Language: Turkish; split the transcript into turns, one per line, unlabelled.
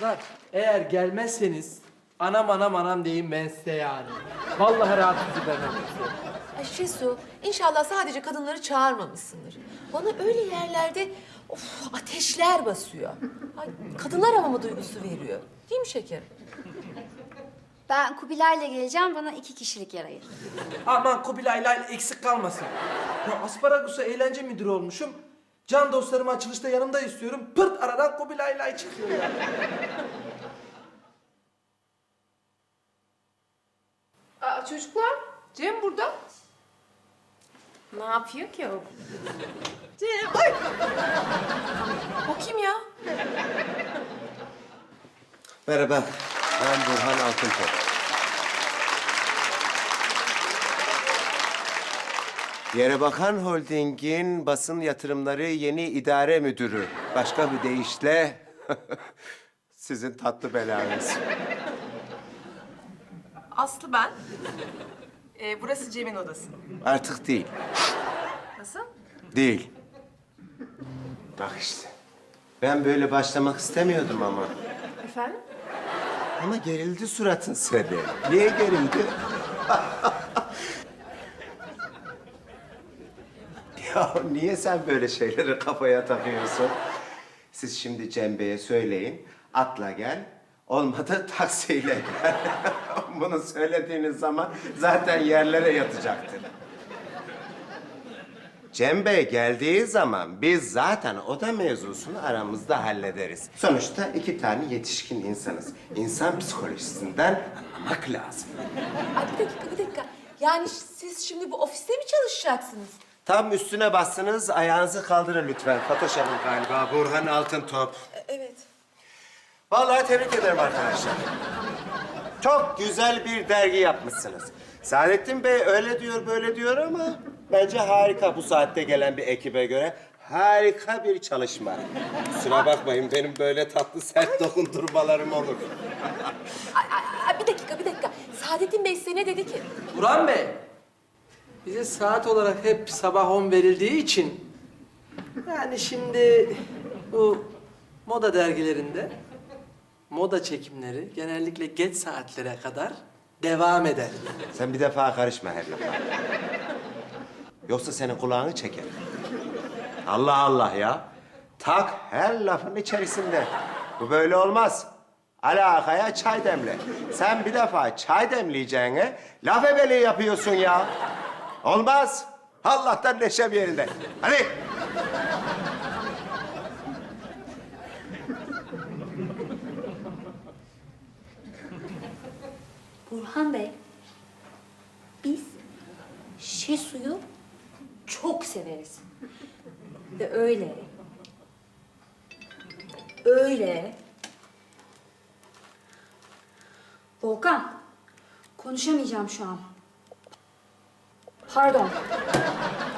Kızlar, eğer gelmezseniz anam deyin ben size yani. Vallahi rahat sizi vermem size.
Ay Şesu, inşallah sadece kadınları çağırmamışsındır. Bana öyle yerlerde ateşler basıyor. Ay, kadınlar havama duygusu veriyor. Değil mi şekerim?
Ben Kubilay'la geleceğim. Bana 2 kişilik yer ayır.
Aman Kubilay'la eksik kalmasın. Ya Asparagus'a eğlence müdürü olmuşum. Can dostlarımı açılışta yanımda istiyorum. Pırt aradan Kubilay'la çıkıyor ya.
Aa, çocuklar, Cem burada. Ne yapıyor ki o? Cem, ay! O kim ya?
Merhaba, ben Burhan Altıntop. Yerebakan Holding'in basın yatırımları yeni idare müdürü. Başka bir deyişle sizin tatlı belanız.
Aslı ben. Burası Cem'in odası.
Artık değil,
Nasıl?
değil. Bak işte, ben böyle başlamak istemiyordum ama.
Efendim?
Ama gerildi suratın seni. Niye gerildi? Ya niye sen böyle şeyleri kafaya takıyorsun? Siz şimdi Cem Bey'e söyleyin, atla gel. Olmadı taksiyle gel. Bunu söylediğiniz zaman zaten yerlere yatacaktır. Cem Bey geldiği zaman biz zaten oda mevzusunu aramızda hallederiz. Sonuçta 2 tane yetişkin insanız. İnsan psikolojisinden anlamak lazım.
Ay bir dakika. Yani siz şimdi bu ofiste mi çalışacaksınız?
Tam üstüne bastınız, ayağınızı kaldırın lütfen. Fatoş Hanım galiba, Burhan Altıntop.
Evet.
Vallahi tebrik ederim arkadaşlar. Çok güzel bir dergi yapmışsınız. Saadettin Bey öyle diyor, böyle diyor ama bence harika bu saatte gelen bir ekibe göre. Harika bir çalışma. Kusura bakmayın, benim böyle tatlı sert dokundurmalarım olur.
Ay, bir dakika. Saadettin Bey size ne dedi ki?
Burhan Bey, bize saat olarak hep sabah 10 verildiği için... Yani şimdi bu moda dergilerinde moda çekimleri genellikle geç saatlere kadar devam eder.
Sen bir defa karışma her lafa. Yoksa senin kulağını çeker. Allah Allah ya. Tak her lafın içerisinde. Bu böyle olmaz. Alakaya çay demle. Sen bir defa çay demleyeceğine laf ebeliği yapıyorsun ya. Olmaz. Allah'tan neşem yerinde. Hadi.
Burhan Bey, biz Şesu'yu çok severiz. Ve öyle. Volkan, konuşamayacağım şu an. Pardon.